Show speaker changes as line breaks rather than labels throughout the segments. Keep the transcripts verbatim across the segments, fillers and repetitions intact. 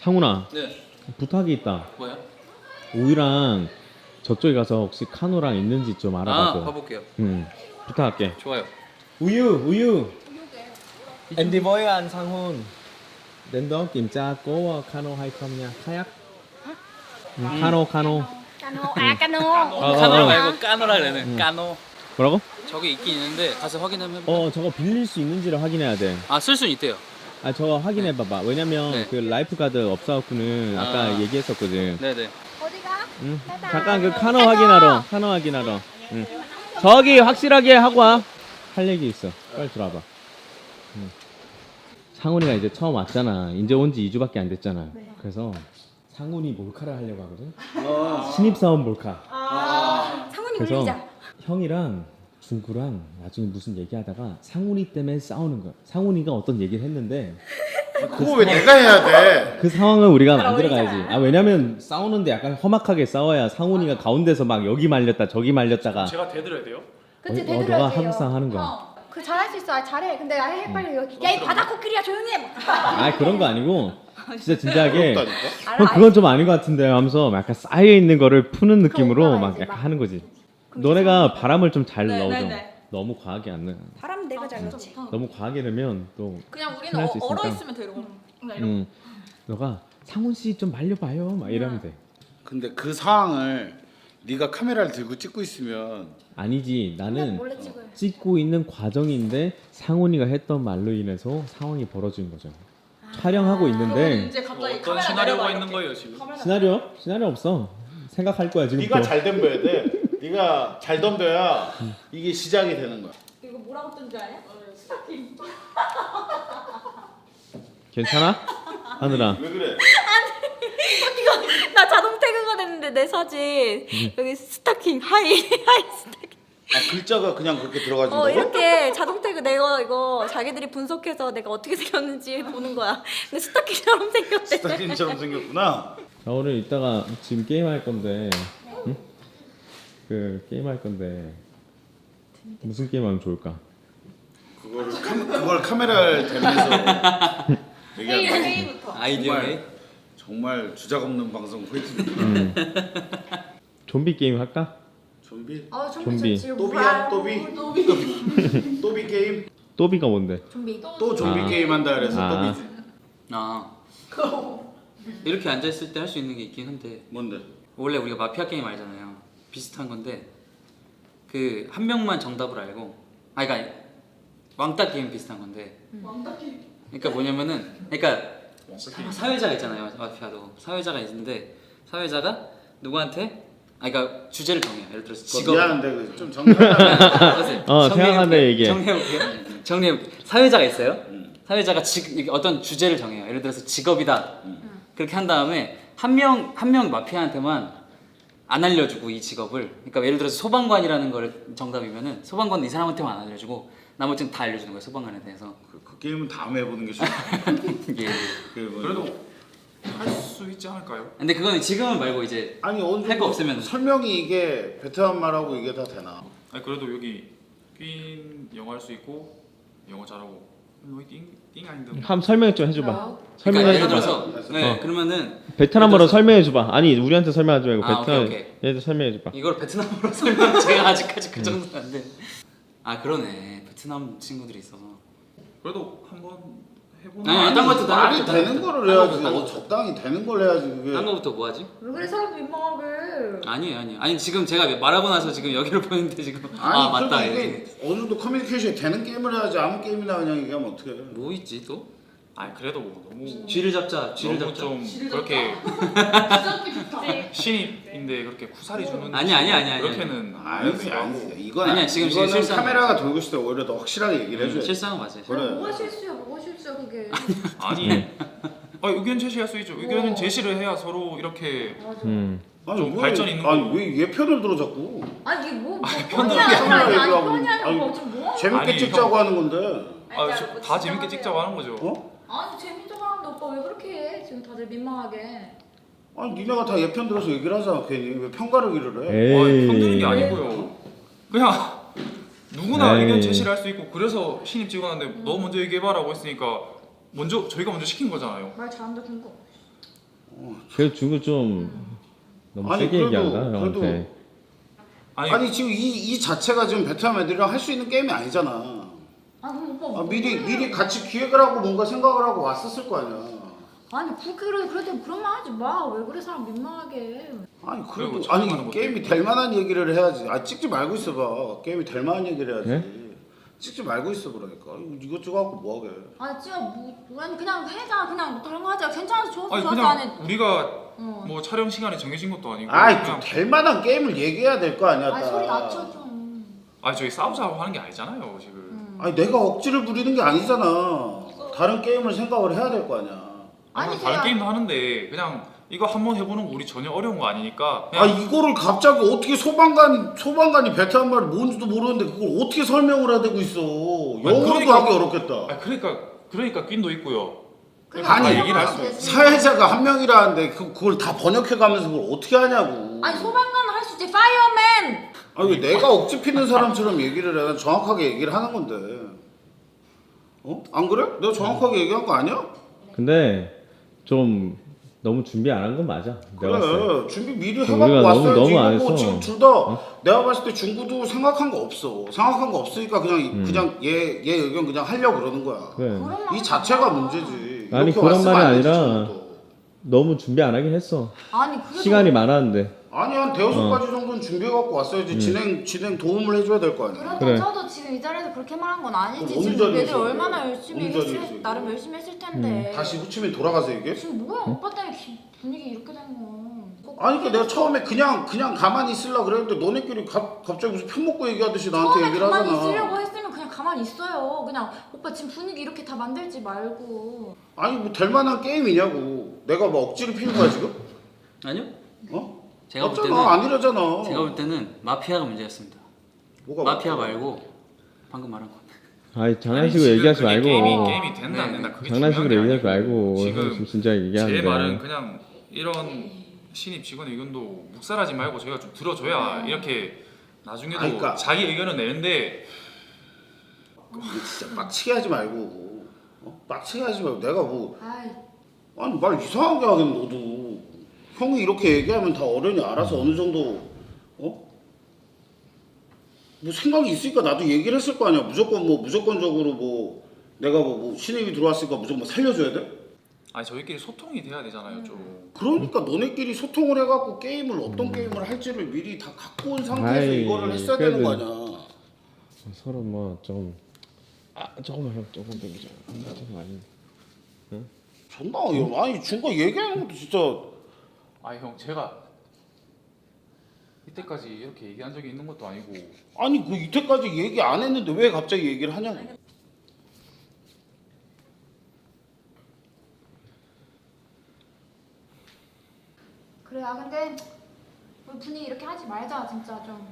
상훈아.
네.
부탁이 있다.
뭐야?
우유랑 저쪽에 가서 혹시 카노랑 있는지 좀 알아봐줘.
아, 봐볼게요.
응. 부탁할게.
좋아요.
우유, 우유. Em đi với anh Sang-hun. Đến đó kiểm tra có cano hay không nha. Kayak. 응, 카노, 카노.
까노 아 까노
어,
카노
어.
말고 까노라 그러네.
응.
까노.
뭐라고?
저기 있긴 있는데 가서 확인하면.
어, 저거 빌릴 수 있는지를 확인해야 돼.
아, 쓸 수는 있대요.
아, 저거 확인해봐봐. 왜냐면
네.
그 라이프 가드 없어갖고는 아까
아.
얘기했었거든.
네네.
어디가?
응.
바이바이.
잠깐 그 카노 확인하러. 카노 확인하러. 응. 저기 확실하게 하고 와. 할 얘기 있어. 빨리 들어와봐. 응. 상훈이가 이제 처음 왔잖아. 이제 온 지 이 주밖에 안 됐잖아. 그래서 상훈이 몰카를 하려고 하거든. 신입사원 몰카.
아 상훈이
그래서
울리자.
형이랑 중구랑 나중에 무슨 얘기하다가 상훈이 때문에 싸우는 거야. 상훈이가 어떤 얘기를 했는데
그거 왜 내가 해야 돼?
그 상황을 우리가
잘
만들어가야지.
어울리잖아.
아 왜냐면 싸우는데 약간 험악하게 싸워야 상훈이가 가운데서 막 여기 말렸다 저기 말렸다가
제가 대들어야 돼요?
그치
어,
대들어야
너가
돼요.
한국상 하는 거야.
어. 그 잘할 수 있어. 아, 잘해. 근데 아, 해 빨리 여기. 야이 바다 코끼리야 조용히 해.
아 그런 거 아니고 진짜 진지하게
어렵다니까?
형 그건 좀 아닌 것 같은데 하면서 막 약간 쌓여 있는 거를 푸는 느낌으로
그런 거
막
알지,
약간
막.
하는 거지. 너네가 바람을 좀 잘
네,
넣어줘.
네, 네.
너무 과하게 안 넣어.
바람 내가 잘 넣지.
너무 과하게 넣으면 또
그냥 우리는
친할
어,
수
얼어
있으니까.
있으면 되는 거.
음, 너가 상훈 씨 좀 말려봐요 막 이러면 돼.
근데 그 상황을 네가 카메라를 들고 찍고 있으면
아니지 나는
몰래 찍어요.
찍고 있는 과정인데 상훈이가 했던 말로 인해서 상황이 벌어진 거죠. 촬영하고 있는데
이제 갑자기
어떤
카메라
시나리오가
내려봐,
있는
이렇게.
거예요 지금?
카메라
시나리오? 시나리오 없어. 생각할 거야 지금.
네가 잘 덤벼야 돼. 네가 잘 덤벼야 이게 시작이 되는 거야.
이거 뭐라고 뜬 줄 아냐? 스타킹.
괜찮아? 하늘아.
왜 그래?
이거 나 자동 태그가 됐는데 내 사진 여기 스타킹 하이 하이 스타킹.
아 글자가 그냥 그렇게 들어가진
어
거고?
이렇게 자동 태그 내가 이거 자기들이 분석해서 내가 어떻게 생겼는지 보는 거야. 근데 스타킹처럼 생겼대.
스타킹처럼 생겼구나.
나 오늘 이따가 지금 게임 할 건데. 응? 그 게임 할 건데 무슨 게임 하면 좋을까?
그걸 카, 그걸 카메라를 대면서 얘기하는 거야.
회의부터.
아이디어
정말.
웨이.
정말 주작 없는 방송 화이팅.
음. 좀비 게임 할까?
좀비?
아 좀비
좀비.
좋지.
또비야 또비? 또비 또비 게임?
또비가 뭔데?
좀비.
또 좀비
아.
게임 한다 그래서
아.
또비지.
아. 이렇게 앉아 있을 때 할 수 있는 게 있긴 한데
뭔데?
원래 우리가 마피아 게임 알잖아요. 비슷한 건데 그 한 명만 정답을 알고 아 그러니까 왕따 게임 비슷한 건데. 왕따 게임. 그러니까 뭐냐면은 그러니까 사- 사회자가 있잖아요. 마피아도 사회자가 있는데 사회자가 누구한테 아 그러니까 주제를 정해요. 예를 들어서
그거
직업.
미안한데 그 좀 정리하자.
어, 생각한데 얘기해.
정리해볼게요. 정리해볼게요. 사회자가 있어요.
음.
사회자가 직 어떤 주제를 정해요. 예를 들어서 직업이다.
음.
그렇게 한 다음에 한 명 한 명 마피아한테만 안 알려주고 이 직업을. 그러니까 예를 들어서 소방관이라는 걸 정답이면은 소방관은 이 사람한테만 안 알려주고 나머지는 다 알려주는 거예요. 소방관에 대해서.
그, 그 게임은 다음에 해보는 게 좋아.
예.
그 뭐-
그래도 할 수 있지 않을까요?
근데 그거는 지금은 말고 이제
아니 어느
할 거 없으면.
설명이 이게 베트남 말하고 이게 다 되나?
아니 그래도 여기 퀸 영어 할 수 있고 영어 잘하고 여기 띵, 띵 아닌데
한번 설명 좀 해줘봐.
그러니까
설명해
예를
줘봐.
들어서 네
어.
그러면은
베트남어로
예를 들어서-
설명해 줘봐. 아니 우리한테 설명하지 말고
아,
베트남
오케이, 오케이.
얘들 설명해 줘봐.
이걸 베트남어로 설명 제가 아직까지 그 정도는 안 돼. 아 그러네 베트남 친구들이 있어서.
그래도 한번 해보면
아니, 아니, 딴 것도 다
말이
딴
되는
것도,
거를
딴
해야지.
것도, 딴
어,
것도.
적당히 되는 걸 해야지 그게.
딴 거부터 뭐 하지?
왜 그래 사람 민망하게.
아니에요 아니에요 아니 지금 제가 말하고 나서 지금 여기를 보는데 지금
아니
아 맞다
그래도
이게
이게 어느 정도 커뮤니케이션이 되는 게임을 해야지 아무 게임이나 그냥 얘기하면 어떻게 해?
뭐 있지 또?
아니 그래도 너무
쥐를 잡자 쥐를
너무
잡자
좀 그렇게 신입인데 그렇게 쿠사리 주는
아니, 아니, 아니, 아니,
그렇게는
아니
아니지 않고
이건
아니야, 지금
이거는
실수한
카메라가 돌고 있을 때 오히려 더 확실하게 얘기를 해줘야 돼.
실상은 맞아요
그래.
뭐가 실수야? 뭐가 실수야 그게.
아니 아, 의견 제시할 수 있죠. 의견은
어.
제시를 해야 서로 이렇게
맞아.
음.
아니,
좀
뭐,
발전 있는
아니
거고.
왜 얘 편을 들어 자꾸?
아니 이게 뭐, 뭐
편하게
편이야.
편하게
아니
얘기하고.
편이 아니라
아니,
뭐 지금 뭐?
재밌게
아니,
찍자고
형.
하는 건데.
아, 저, 다 재밌게 찍자고 하는 거죠.
어?
아니 재밌다고 하는데 오빠 왜 그렇게 해? 지금 다들 민망하게.
아니 니네가 다 얘 편 들어서 얘기를 하잖아 괜히 왜 편가르기를 해?
에이.
아, 편드는 게 아니고요. 그냥 누구나
에이.
의견 제시를 할 수 있고 그래서 신입 찍어놨는데 너 먼저 얘기해봐라고 했으니까 먼저 저희가 먼저 시킨 거잖아요.
말 잘한다 궁금.
그래도 중구 좀 너무
아니,
세게
그래도-
얘기한다 형한테.
그래도-
아니,
아니 지금 이, 이 자체가 지금 베트남 애들이랑 할 수 있는 게임이 아니잖아.
아 그럼 오빠
아, 미리 미리 같이 기획을 하고 뭔가 생각을 하고 왔었을 거 아니야.
아니 그렇게 그래도 그런 말 하지 마. 왜 그래 사람 민망하게 해.
아니
그리고
그래도
촬영하는
아니
것도
게임이
있고.
될 만한 얘기를 해야지. 아 찍지 말고 있어봐. 게임이 될 만한 얘기를 해야지.
네?
찍지 말고 있어 그러니까. 이거 이것저것 갖고 뭐하게.
아니 진짜 뭐 아니 그냥 해자 그냥 뭐 다른 거 하자. 괜찮아서 좋았어
아니
좋았어 안 해.
그냥 우리가
어.
뭐 촬영 시간이 정해진 것도 아니고
아이
그냥
될 만한 게임을 얘기해야 될 거 아니야.
아니
딱.
소리 낮춰 좀.
아니 저희 싸우자고 하는 게 아니잖아요 지금.
음.
아니 내가 억지를 부리는 게 아니잖아. 다른 게임을 생각을 해야 될 거 아니야.
아니
아니,
다른
그냥-
게임도 하는데 그냥 이거 한번 해보는 거 우리 전혀 어려운 거 아니니까
아
그냥
이거를 갑자기 어떻게 소방관이 소방관이 베트남 말이 뭔지도 모르는데 그걸 어떻게 설명을 해야 되고 있어. 영어로도
그러니까-
하기 어렵겠다.
아니 그러니까 그러니까 낀도 있고요.
그래,
아니,
그런
얘기를 할
거
수
되지.
사회자가 한 명이라는데 그, 그걸 다 번역해가면서 그걸 어떻게 하냐고.
아니 소방관은 할 수 있지. 파이어맨.
아니 왜 내가 억지 피는 사람처럼 얘기를 해. 난 정확하게 얘기를 하는 건데. 어? 안 그래? 내가 정확하게 얘기한 거 아니야?
근데 좀 너무 준비 안 한 건 맞아. 내가 봤을 때.
그래 준비 미리
우리가
해갖고
너무-
왔어야지.
너무 안
이거 뭐
했어.
지금 둘 다 내가 봤을 때 중구도 생각한 거 없어. 생각한 거 없으니까 그냥
음.
그냥 얘 얘 의견 그냥 하려고 그러는 거야.
그래.
그런 말
이
하지
자체가
마.
문제지.
아니,
이렇게
그런
왔으면
말이
안 되지,
아니라
중구도.
너무 준비 안 하긴 했어.
아니 그래도
시간이 많았는데.
아니 한 대여섯
어.
가지 정도는 준비해 갖고 왔어야지.
음.
진행 진행 도움을 해줘야 될 거 아니야.
그래도
그래.
저도 지금 이 자리에서 그렇게 말한 건 아니지.
그럼 어느
지금
자리에서
애들 얼마나
얘기해?
열심히
어느 자리에서
했을
얘기해?
나름 열심히 했을 텐데.
다시 후치민 돌아가서 얘기해?
지금 뭐야 오빠 때문에 기- 분위기 이렇게 된 거.
아니 그러니까 내가 처음에 그냥 그냥 가만히 있으려 그랬는데 너네끼리 가, 갑자기 무슨 편 먹고 얘기하듯이 나한테
처음에
얘기를
가만히
하잖아.
있으려고 했으면 그냥 가만히 있어요. 그냥 오빠 지금 분위기 이렇게 다 만들지 말고.
아니 뭐 될 만한 게임이냐고. 내가 뭐 억지를 피는 거야 지금?
아니요.
어?
제가 볼
맞잖아.
때는
아니라잖아.
제가 볼 때는 마피아가 문제였습니다.
뭐가
마피아
맞다.
말고 방금 말한 거.
아이 장난식으로
지금
얘기하지
그게
말고.
게임이 게임이 된다 안
네.
된다 그게
장난식으로
중요한 게
얘기하지 말고.
아니고
지금
지금
진짜 얘기하는데.
제 말은 그냥 이런 신입 직원 의견도 묵살하지 말고 저희가 좀 들어줘야 이렇게 나중에도
아니, 그러니까-
자기 의견을 내는데
진짜 빡치게 하지 말고. 어? 빡치게 하지 말고. 내가 뭐
아이
아니 말 이상하게 하긴 너도. 형이 이렇게 얘기하면 다 어른이 알아서 어느 정도 어? 뭐 생각이 있으니까 나도 얘기를 했을 거 아니야. 무조건 뭐 무조건적으로 뭐 내가 뭐, 뭐 신입이 들어왔으니까 무조건 뭐 살려줘야 돼?
아니 저희끼리 소통이 돼야 되잖아요 좀.
그러니까 너네끼리 소통을 해갖고 게임을 어떤 게임을 할지를 미리 다 갖고 온 상태에서
아이,
이거를 했어야 되는 거
그래도-
아니야.
서로 뭐좀 아, 조금만 해, 조금 땡기자. 조금 아니.
존나 어이없- 아니 준거 얘기하는 것도 진짜
아니 형 제가 이때까지 이렇게 얘기한 적이 있는 것도 아니고
아니 그 이때까지 얘기 안 했는데 왜 갑자기 얘기를 하냐고.
그래 아 근데 우리 분위기 이렇게 하지 말자 진짜 좀.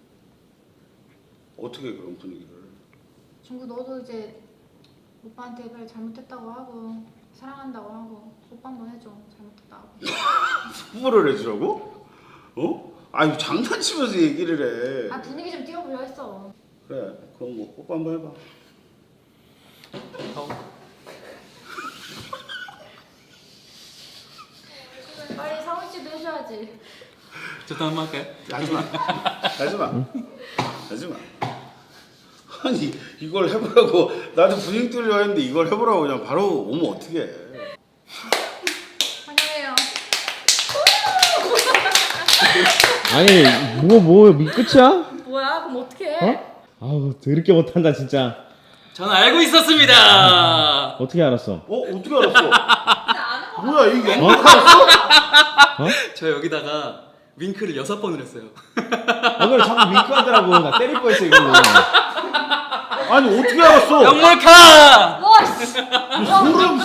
어떻게 그런 분위기를.
중구 너도 이제 오빠한테 그래 잘못했다고 하고 사랑한다고 하고 오빠 한번 해줘 잘못했다고.
후보를 해주라고? 어? 아니 장난치면서 얘기를 해.
아 분위기 좀 띄워보려 했어.
그래 그럼 뭐 뽀뽀 한번 해봐.
빨리 상훈 씨도 해줘야지.
저도 한번 할까요?
하지마 하지마 하지마. 아니 이걸 해보라고 나도 분위기 뚫려 했는데 이걸 해보라고 그냥 바로 오면 어떡해.
환영해요.
아니 뭐뭐 뭐, 끝이야?
뭐야 그럼 어떻게 해?
어? 아우 더럽게 못한다 진짜.
저는 알고 있었습니다.
어떻게 알았어?
어 어떻게 알았어?
나안 거.
뭐야 이게 연극하였어?
저 여기다가 윙크를 여섯 번을 했어요.
아 그래 자꾸 윙크하더라고. 나 때릴 뻔했어 이걸로.
아니 어떻게 알았어?
영몰카!
와 씨.
소름.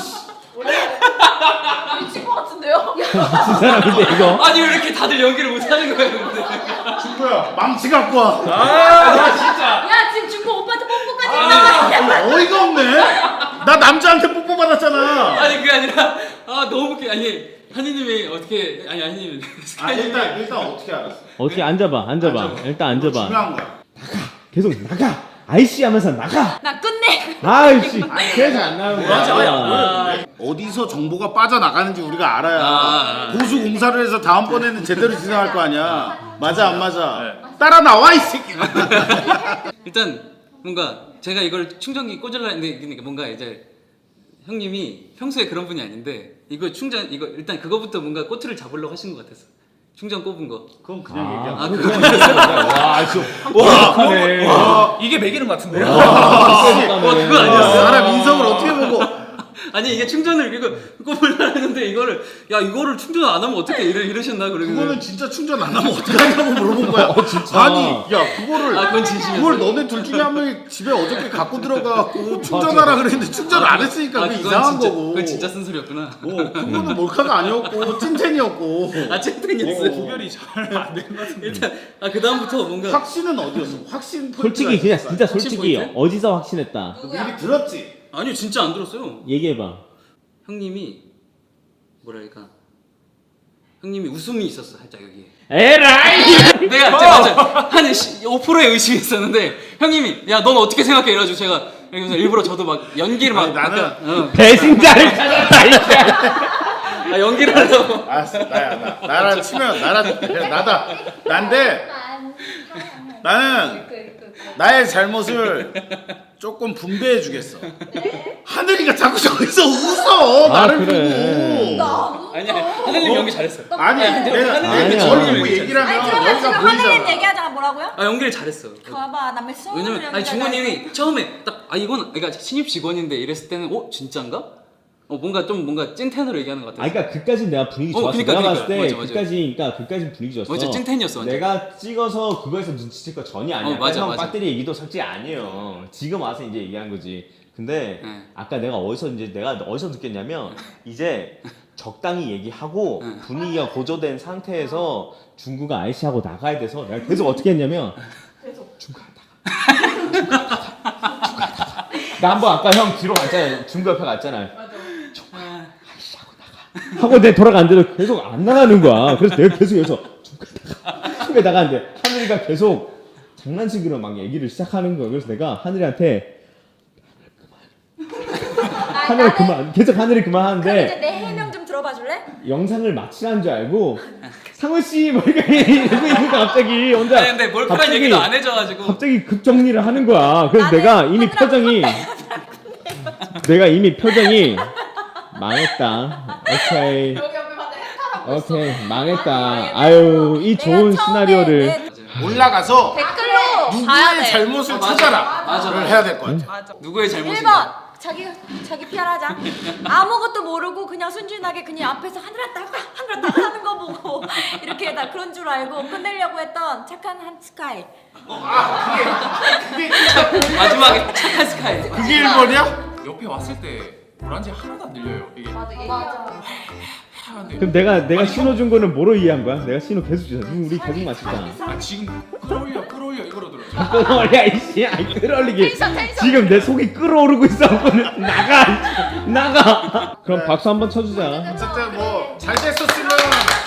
미친 거 같은데요?
미친 사람인데 이거.
아니 왜 이렇게 다들 연기를 못하는 거예요 근데.
친구야 망치 갖고 와.
아 진짜.
야 지금 중국 오빠한테 뽀뽀까지
아,
했잖아.
어이가 없네. 나 남자한테 뽀뽀 받았잖아.
아니 그게 아니라 아 너무 웃겨. 아니 한이님이 어떻게 아니 한이님
아 일단 일단 어떻게 알았어?
어떻게 앉아봐 앉아봐. 일단 앉아봐.
중요한 거야.
계속 나가. 아이씨 하면서 나가.
나 끝내.
아이씨 그래서 안 나오는
맞아,
거야.
맞아.
어디서 정보가 빠져나가는지 우리가 알아야
아.
보수 공사를 해서 다음번에는 제대로 진행할 거 아니야. 맞아 안 맞아?
네.
따라 나와 이 새끼.
일단 뭔가 제가 이걸 충전기 꽂으려 했는데 그러니까 뭔가 이제 형님이 평소에 그런 분이 아닌데 이거 충전 이거 일단 그거부터 뭔가 꼬투를 잡으려고 하신 것 같았어. 충전 꼽은 거.
그건 그냥
아,
얘기야.
아
그거
그거
와, 진짜 완벽하네.
이게 매기는 것 같은데요?
어, 그거 아니었어?
사람 인성을 어떻게 보고?
아니 이게 충전을 이거 꼽으려 했는데 이거를 야 이거를 충전 안 하면 어떻게 이러, 이러셨나 그러면
그거는 진짜 충전 안 하면 어떻게 하냐고 물어본 거야.
어, 진짜.
아니, 야 그거를
아 그건 진심이었어.
그걸 너네 둘 중에 한 명이 집에 어저께 갖고 들어가고 충전하라 그랬는데 충전 안 했으니까
아,
그게
그건
이상한
진짜,
거고.
그건 진짜 쓴소리였구나.
어, 그거는 몰카가 아니었고 찐텐이었고.
아 찐텐이었어.
구별이 잘 안 되는 것 같은데.
일단 아 그 다음부터 뭔가
확신은 어디였어? 확신 포인트가
솔직히 그냥
있었어.
진짜
확신
솔직히
포인트?
어디서 확신했다.
너 미리 들었지?
아니요 진짜 안 들었어요.
얘기해봐.
형님이 뭐랄까 형님이 웃음이 있었어 살짝 여기에.
에라이.
내가 제가 맞아 한 오 퍼센트의 의심이 있었는데 형님이 야 넌 어떻게 생각해 이래가지고 제가 그래서 일부러 저도 막 연기를 막
아니, 나는-
약간, 어.
배신자를 찾았다. 이제.
아 연기를 하려고
알았어, 나야 나. 나랑 치면 나랑 그냥 나다. 난데 나는 나의 잘못을 조금 분배해 주겠어. 하늘이가 자꾸 저기서 웃어
아,
나를
그래.
보고.
아니야 하늘님 연기 잘했어.
아니 내가 내가
아니야.
저를 보고
아니,
얘기를
아니
하면
그러면 지금
여기가
하늘님
보이잖아.
얘기하자가 뭐라고요?
아 연기를 잘했어.
봐봐 남의 소원을
왜냐면 아니 중원님이 처음에 딱 아 이건 그러니까 신입 직원인데 이랬을 때는 어 진짠가? 어 뭔가 좀 뭔가 찐텐으로 얘기하는 것 같아.
아, 그러니까 그까진 내가 분위기
어,
좋았어.
그러니까,
내가
그러니까.
봤을 때
맞아, 맞아.
그까지, 그러니까 그까진 분위기 좋았어.
맞아, 찐텐이었어, 완전.
내가 찍어서 그거에서 눈치챌 거 전혀 아니야.
어, 맞아,
형
맞아.
배터리 얘기도 솔직히 아니에요. 지금 와서 이제 얘기한 거지. 근데
네.
아까 내가 어디서 이제 내가 어디서 느꼈냐면 이제 적당히 얘기하고
네.
분위기가 고조된 상태에서 중구가 아이씨하고 나가야 돼서 내가 계속 어떻게 했냐면 중구 나가. 나 한번 아까 형 뒤로 갔잖아. 중구 옆에 갔잖아. 하고 내 돌아갔는데도 계속 안 나가는 거야. 그래서 내가 계속 여기서 중간에 나가는데 하늘이가 계속 장난식으로 막 얘기를 시작하는 거야. 그래서 내가 하늘이한테 하늘이 그만 계속 하늘이 그만
그럼 이제
하는데
내 해명 좀 들어봐 줄래?
영상을 마치라는 줄 알고 상훈 씨뭐 이렇게 이러고 있니까 갑자기 혼자
아니 근데 몰카란 얘기도 안 해줘가지고
갑자기 급 정리를 하는 거야. 그래서
나는
내가 이미
하늘아,
표정이 내가 이미 표정이 망했다. 오케이.
여기 옆에 봤는데 햄타라고
오케이 망했다. 아유 이 좋은
내가 처음에
시나리오를
맞아요.
올라가서
댓글로 봐야
누구의
돼.
잘못을
아, 맞아.
찾아라.
맞아,
를
맞아.
해야 될 것 같아.
누구의
일
잘못인가?
번 자기 자기 피하자. 아무것도 모르고 그냥 순진하게 그냥 앞에서 하늘아 나가 하늘아 나가 하는 거 보고 이렇게 다 그런 줄 알고 끝내려고 했던 착한 한 스카이.
마지막에 착한 스카이.
그게 일 번이야?
옆에 왔을 때 불안지 하나도 안 들려요. 이게
맞아.
하는데
그럼 내가 내가 신호 준 거는 뭐로 이해한 거야? 내가 신호 계속 주잖아. 우리 계속 맞추잖아.
아 지금 끌어올려 끌어올려 이거로 들어요.
끌어올려 이씨. 아이 끌어올리기.
텐션, 텐션.
지금 내 속이 끌어오르고 있어. 나가 나가. 그럼 박수 한번 쳐주자.
어쨌든 뭐 잘 됐었으면